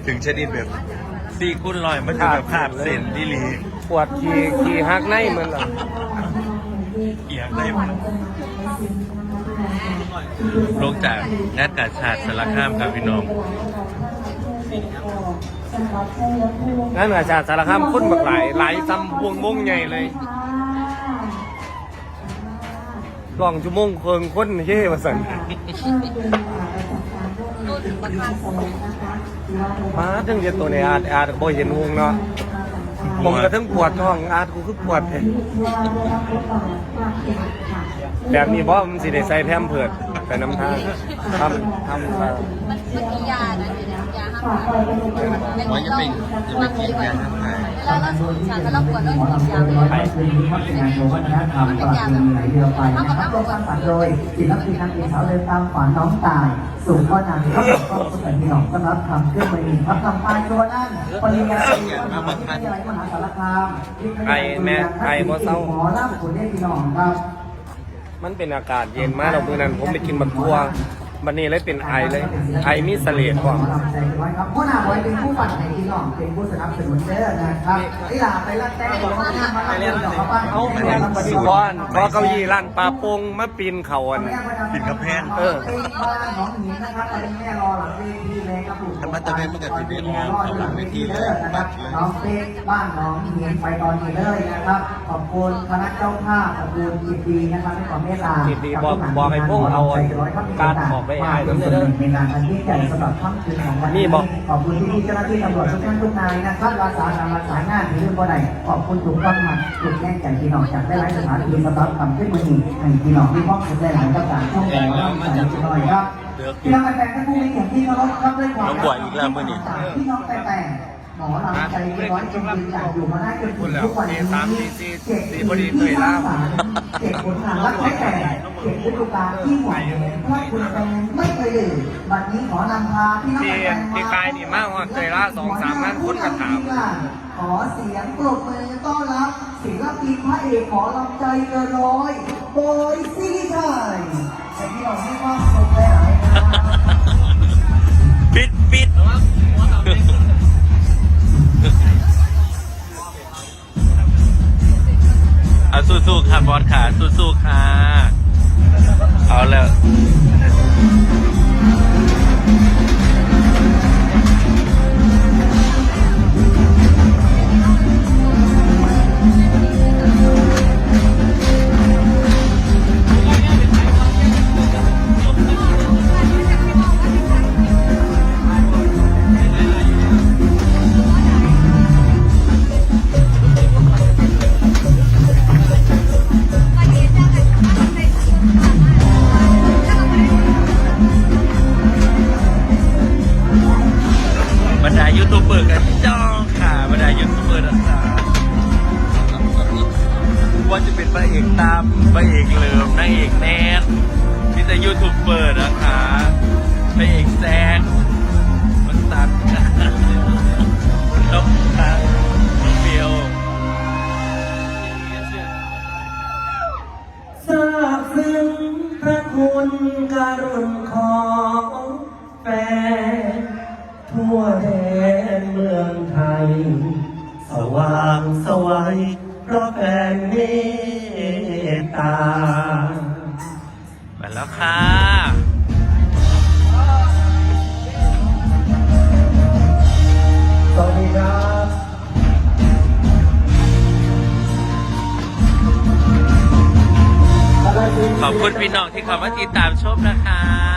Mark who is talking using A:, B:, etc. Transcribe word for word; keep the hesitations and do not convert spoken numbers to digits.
A: ถึงชนิดแบบสี่กุ้นลอยมันจะแบบขาดเส้นที่ลี
B: ปวดขี่ขี่หักในเหมือนเหรอ
A: เอียงได้หมดลงจากงานกาชาติสารคามครับพี่น้อง
B: งั้นอาจารย์สารคามคนบักหลายหลายซ้ำวงวงใหญ่เลยลองชั่วโมงเคิงคนเฮ่มาสั่นมาถึงเรียนตัวในอาร์ตอาร์ตบ่เห็นวงเนาะผมก็ทั้งปวดท้องอาร์ตกูคือปวดเลยแบบนี้บ่มันสิได้ใส่แพมเพิร์ดใส่น้ำทางทำทำมา
C: มันมันมียานะยาห้าม
A: ว่าจะเป็นจะไปกินยาทำไง
C: เวลาเราสูบชาแล้วเราปวดเรากินยาเลย
D: ไปคืนนี้พัฒนางานวัฒนธรรมตลอดคืนไหลเรือไปนะครับโดยสร้างสรรค์โดยศิลปินนางเอกสาวเดินตามฝันน้องตายสู่พ่อนางก็บอกก็สมัยพี่น้องต้อนรับคำเครื่องมือครับทำปลายตัวนั่นปริญญาตรีมหาวิทยาลัยมหาสารคามหมอล่ำผลได้พี่น้องครับ
B: มันเป็นอากาศเย็นมากเราเมื่อนั้นผมไปกินบักทัววันนี้เลยเป็นไอเลยไอมีเสลดกว่า
D: พ่อหน้าบอยเป็นผู้ปั่นในพี่น้องเป็นผู้สนับสนุนเด้อนะครับนี่ล่ะไปรัดแต้ของพ่อหน้ามาเล่นดอกเขาบ้านเอาไปเล่น
B: ที่บ้านพอเก้าอี้ร้านปลาโป่งมาปีนเขาอัน
A: ปิดกระแพง
B: เออ
D: เป็นบ้านน้องหญิงนะครับตอนนี้แม่รอหลังเวทีเลยครับผม
A: ถ้ามันจะเป็นมันก็จะเป็นเอาหลังเวทีเลยบัตรเลย
D: น้องเป๊กบ้านน้องหญิงไปตอนนี้เลยนะครับขอบคุณคณะเจ้าภาพขอบคุณยินดีนะครับให้ความเมตตา
B: ยินดีบอกบอกให้พวกเอาการออกไปให้น้ำเด้อ
D: ในงานอันยิ่งใหญ่สำหรับค่ำคืนของวัน
B: นี่
D: นี้
B: บอก
D: ขอบคุณที่เจ้าหน้าที่ตำรวจทุกท่านทุกนายนะครับรักษาการรักษางานที่เรื่องบ่ได้ขอบคุณทุกท่านมาทุกแง่ใจพี่น้องจากได้หลายสถานที่สำหรับคำขึ้นมือหนึ่งให้พี่น้องที่มอบสุดได้หลายประการช่องแสงร่างกายจิตหน่อยครับพี่น้องแฟนๆท่านผู้มีเกียรติที่เคารพครับด้วยความรักพี่น้องแต่แต่หมอลำใจร้อยจนยืนจากอยู่มาได้จนถึงทุกวันนี้เจ็ดปีที่สร้างสรรค์เจ็ดผลงานรักแต่เจ็ดฤดูกาลที่หวังเพราะคุณแฟนไม่เคยลืมวันนี้ขอนำพาพี่น้อง
B: ที่ที่กายนี่มากว่าเคยล่าสองสามงานคนกระถาม
D: ขอเสียงปรบมือต้อนรับศิลปินพระเอกขอลำใจเกินร้อยโบยซี่ชัยแต่ที่เราไม่ว่าสุขหลายๆครับ
A: ปิดปิดเอาสู้ๆค่ะบอสขาสู้ๆค่ะเอาแล้วบรรดายูทูบเบอร์กันจ้องค่ะบรรดายูทูบเบอร์ต่างๆว่าจะเป็นพระเอกตามพระเอกเหลิมนางเอกแนนที่จะยูทูบเบอร์นะคะพระเอกแซงมันตัดน้องตาเบียว
D: ทราบซึ้งพระคุณการุณของแฟนทั่วแดนเมืองไทยสว่างสวัยเพราะแฟนเมตตา
A: มาแล้วค่ะ
D: สวัสดีครับ
A: ขอบคุณพี่น้องที่เข้ามาติดตามชมนะคะ